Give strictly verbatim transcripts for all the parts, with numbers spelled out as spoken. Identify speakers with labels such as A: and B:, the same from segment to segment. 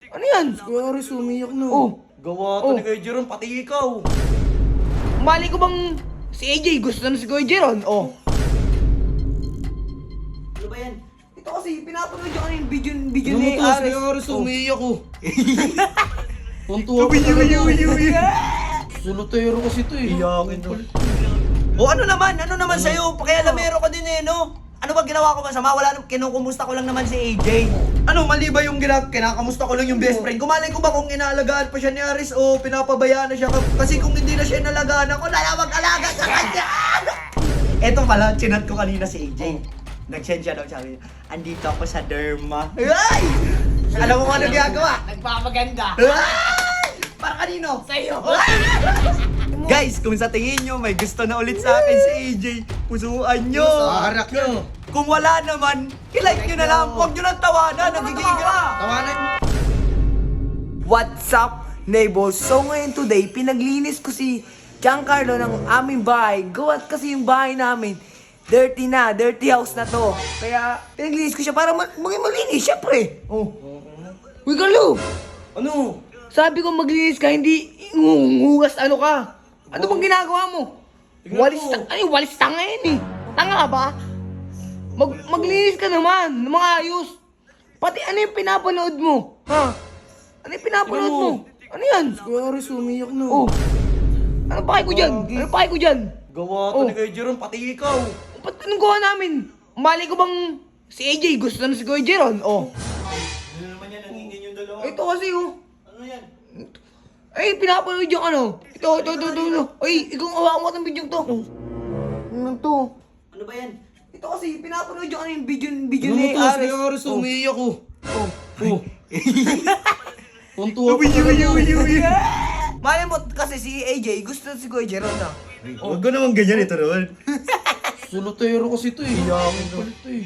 A: Ano yan?
B: Kuya Aris, umiyak na.
A: Oh.
B: Gawa
A: Oh.
B: to ni Kuya Jeron, pati ikaw.
A: Mali ko bang si A J gusto na si Kuya Jeron? Oh.
B: Ano ba yan?
A: Ito kasi pinapanood yung ano yung video, video
B: Ano
A: ni
B: to? Si
A: Ares.
B: Kuya Aris,
A: Oh.
B: umiyak ko. Tuntua ko talaga. Solotero kasi to eh.
C: Iyakin to. O ano naman, ano naman sa'yo? Pakialamero ka din eh, no? Ano ba ginawa ko masama? Wala nang kinukumusta ko lang naman si A J. Ano, mali ba yung gina kinakamusta ko lang yung best friend? Kumalay ko ba kung inaalagaan pa siya ni Aris o pinapabayaan na siya? Kasi kung hindi na siya inalagaan ako, nalawag alaga sa kanya! Eto pala, chinat ko kanina si A J. Nag-send siya daw, sabi niya, andito ako sa derma. Ay! Alam mo kung ano ginagawa?
A: Nagpapaganda.
C: Ay! Para kanino?
A: Sa'yo.
C: Guys, kung sa tingin nyo may gusto na ulit sa akin si A J, pusuan nyo!
B: Harak nyo.
C: Kung wala naman, i-like nyo na lang. Huwag nyo lang tawanan, nagigigil ka!
B: Tawanan nyo.
A: What's up, neighbors? So ngayon today, pinaglinis ko si Giancarlo ng aming bahay. Gawat kasi yung bahay namin. Dirty na, dirty house na to. Kaya pinaglinis ko siya para ma- maging malinis, syempre. Oh. Uy, Carlo!
C: Ano?
A: Sabi ko maglinis ka, hindi nguhugas ano ka. Ano bang ginagawa mo?
B: Tignan
A: Walis
B: mo.
A: ta- ay, walis tanga yan eh. Tanga ba? Mag maglinis ka naman, ng mga ayos. Pati ano yung pinapanood mo? Ha? Ano yung pinapanood
B: Tignan
A: mo?
B: mo.
A: Ano yan?
B: Kuya Aris, umiyak na.
A: Oh. Ano pa ko dyan? Ano pa ko dyan?
C: Gawa to
A: Oh.
C: ni Kuya Jeron, pati ikaw.
A: Ba't anong gawa namin? Mali ko bang si A J gusto na si Kuya Jeron? Oh.
C: Ano naman yan, nangingin yung dalawa?
A: Ito kasi oh.
C: Ano yan?
A: Ay, pinapanood yung ano. Ito, ito, ito, ito, ito. Ay, ikaw hawakan mo itong video to. Ano to?
C: Ano ba yan?
A: Ito kasi, pinapanood yung ano yung video, video
B: Ano
A: ni
B: to? Si
A: Ares.
B: Kuya Aris,
A: Oh.
B: umiyak ko.
A: Oh.
B: Oh. Tuntua ko talaga.
A: Mali mo kasi si A J, gusto si Kuya Jeron na.
C: Huwag ko naman ganyan ito naman.
B: Solotero kasi to eh. Iyakin to. eh.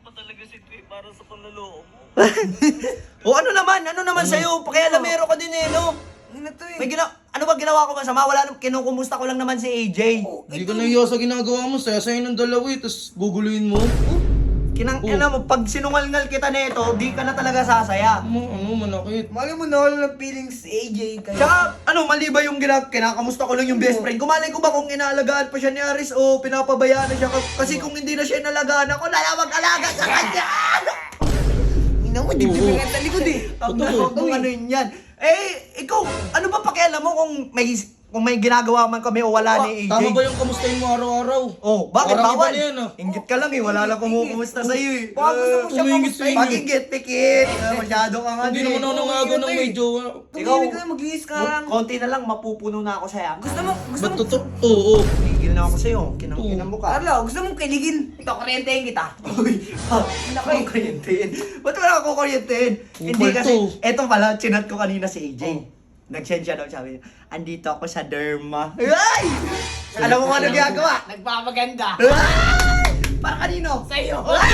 C: O ano naman, ano naman sa'yo? Pakialamero ka din eh, no?
A: Ano to eh?
C: May gina ano ba ginawa ko masama? Wala nang kinukumusta ko lang naman si A J.
B: Hindi ka nahiya sa ginagawa mo. Saya-saya ng dalawa eh. Tapos guguluhin mo.
C: Kinang
B: Oh.
C: ina mo, pag sinungal-ngal kita nito, di ka na talaga sasaya.
B: Ano, ano, manakit.
A: Mali mo na wala ng feelings si A J kaya.
C: Tsaka, ano, mali ba yung gina kinakamusta ko lang yung best friend? Kumalay ko ba kung inaalagaan pa siya ni Aris o pinapabayaan na siya? Kasi kung hindi na siya inalagaan ako, nalawag alaga sa kanya!
A: Ina mo, dibdib ka sa likod eh.
C: Ang
B: Totoo.
C: nakakong kung ano yun yan. Eh, ikaw, ano ba pakialam mo kung may kung may ginagawa man kami o wala ni A J?
B: Tama ba yung kamustahin mo araw-araw?
C: Oh, bakit
B: Parang
C: bawal?
B: iba na yan, ah.
C: Inggit ka lang eh, wala lang kumukusta sa'yo eh.
A: Baka gusto mo siya
B: Tumingit
A: kamustahin.
B: sa'yo.
C: Pag-inggit, pikit. Ah, Masyado ka nga
B: Hindi
C: din.
B: naman ako nangago ng may jowa.
A: Tumimik ka, maglinis ka lang.
C: Konti na lang, mapupuno na ako sa'yo.
A: Gusto mo, gusto
B: Ba't
A: mo.
B: totoo? Oo.
C: Tigil na ako sa'yo. Kinang-kinang mo ka.
A: Carlo, gusto mong kiligin. Ito, kuryentehin kita.
C: Uy, ha,
A: Laki.
C: kukuryentehin. Ba't wala ako kukuryentehin? Hindi
B: Upal
C: kasi,
B: to.
C: eto pala, chinat ko kanina si A J.
B: Oh.
C: Nag-send siya daw, sabi niya, andito ako sa derma. Ay! Alam mo kung ano ginagawa?
A: Nagpapaganda.
C: Ay! Para kanino?
A: Sa'yo.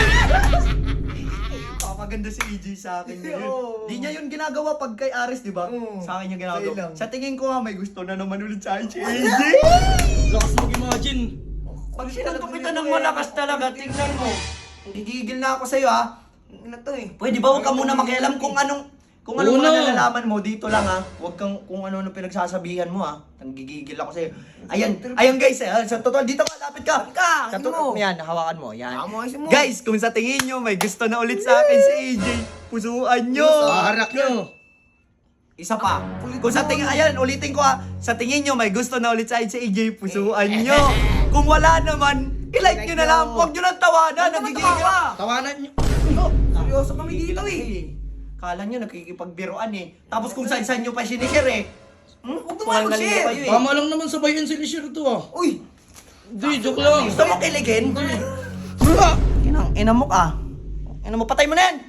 C: Papaganda si A J sa akin ngayon.
A: Oo.
C: Di niya yun ginagawa pag kay Aris, di ba?
A: Oo.
C: Sa akin yung
A: Sa'yo
C: ginagawa.
A: lang.
C: Sa tingin ko nga, may gusto na naman ulit sa akin si A J.
B: Lakas mag-imagine.
C: Pag sinuntok kita ng malakas talaga, tingnan mo. Gigigil na ako sa'yo, ha?
A: Ano to eh?
C: Pwede ba huwag ka muna makialam kung anong kung ano
B: Oo
C: mga
B: na.
C: nalalaman mo dito lang ha. Huwag kang kung ano ano pinagsasabihan mo ha. Nanggigigil ako sa'yo. Ayan, ayan guys, eh, sa totoo dito ka, lapit ka.
A: Ka,
C: Sa
A: ano
C: totoo,
A: mo?
C: yan, hawakan mo, yan.
A: Hawakan mo, ayusin mo.
C: Guys, kung sa tingin nyo may gusto na ulit sa akin si A J, pusuan nyo.
B: Harak nyo.
C: Isa pa. Kung sa tingin, ayan, ulitin ko ha. Sa tingin nyo may gusto na ulit sa akin si A J, pusuan nyo. Kung wala naman, i-like nyo na lang. Huwag nyo lang tawanan, nagigigil ka.
B: Tawanan nyo.
C: Oh,
A: Seryoso kami dito eh.
C: Kala nyo nakikipagbiroan eh. Tapos kung saan-saan nyo pa sinishare eh. Hmm?
A: Huwag naman
C: Pangalan nyo
A: mag-share.
C: kayo eh.
B: Tama lang naman sabayan si Lisher to ah.
A: Uy!
B: Hindi, joke lang.
C: Gusto mo kiligin?
B: Bra!
C: Inang, ina mo ka. Ina mo, patay mo na yan.